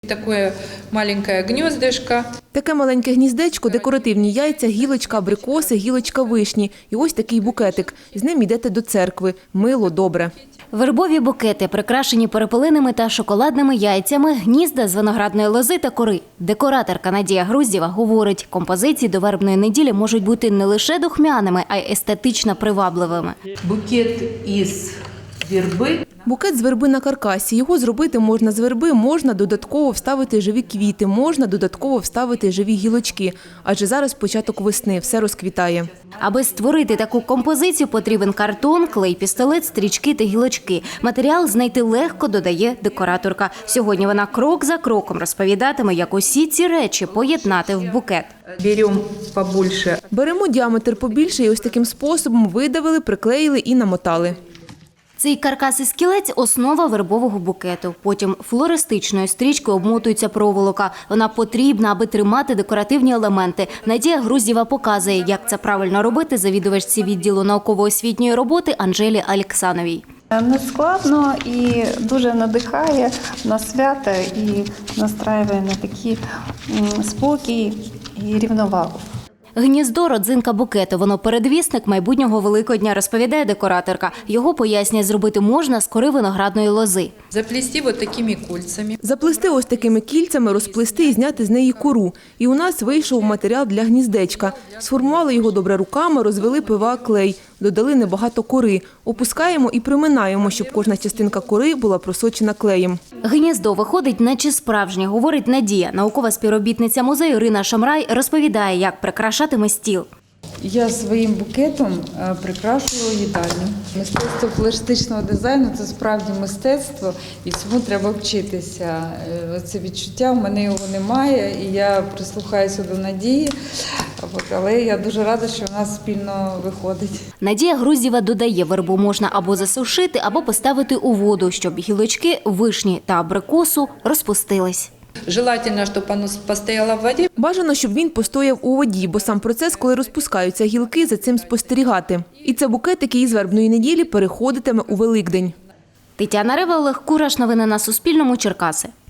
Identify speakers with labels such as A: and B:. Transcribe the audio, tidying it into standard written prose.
A: Таке маленьке гніздечко.
B: Таке маленьке гніздечко, декоративні яйця, гілочка абрикоси, гілочка вишні. І ось такий букетик. З ним йдете до церкви. Мило, добре.
C: Вербові букети, прикрашені перепелиними та шоколадними яйцями, гнізда з виноградної лози та кори. Декораторка Надія Груздєва говорить, композиції до вербної неділі можуть бути не лише духмяними, а й естетично привабливими.
A: Букет із верби.
B: Букет з верби на каркасі. Його зробити можна з верби, можна додатково вставити живі квіти, можна додатково вставити живі гілочки. Адже зараз початок весни, все розквітає.
C: Аби створити таку композицію, потрібен картон, клей, пістолет, стрічки та гілочки. Матеріал знайти легко, додає декораторка. Сьогодні вона крок за кроком розповідатиме, як усі ці речі поєднати в букет.
A: Беремо побольше.
B: Беремо діаметр побільше і ось таким способом видавили, приклеїли і намотали.
C: Цей каркас із кілець – основа вербового букету. Потім флористичною стрічкою обмотується проволока. Вона потрібна, аби тримати декоративні елементи. Надія Груздєва показує, як це правильно робити завідувачці відділу науково-освітньої роботи Анжелі Алексановій.
D: Не складно і дуже надихає на свята і настраює на такий спокій і рівновагу.
C: Гніздо – родзинка букету. Воно передвісник майбутнього Великодня, розповідає декораторка. Його, пояснює, зробити можна з кори виноградної лози.
A: Заплести вот такими кольцами.
B: Заплести ось такими кільцями, розплести і зняти з неї кору. І у нас вийшов матеріал для гніздечка. Сформували його добре руками, розвели ПВА клей, додали небагато кори. Опускаємо і приминаємо, щоб кожна частинка кори була просочена клеєм.
C: Гніздо виходить наче справжнє, говорить Надія. Наукова співробітниця музею Ірина Шамрай розповідає, як прикрашатиме стіл.
E: Я своїм букетом прикрашую їдальню. Мистецтво пластичного дизайну – це справді мистецтво, і цьому треба вчитися. Це відчуття, у мене його немає, і я прислухаюся до Надії, але я дуже рада, що в нас спільно виходить. Надія
C: Груздєва додає, вербу можна або засушити, або поставити у воду, щоб гілочки, вишні та абрикосу розпустились.
A: Желательно, щоб воно постояло в воді.
B: Бажано, щоб він постояв у воді, бо сам процес, коли розпускаються гілки, за цим спостерігати. І це букет, який із вербної неділі переходитиме у Великдень.
C: Тетяна Рева, Олег Кураш. Новини на Суспільному. Черкаси.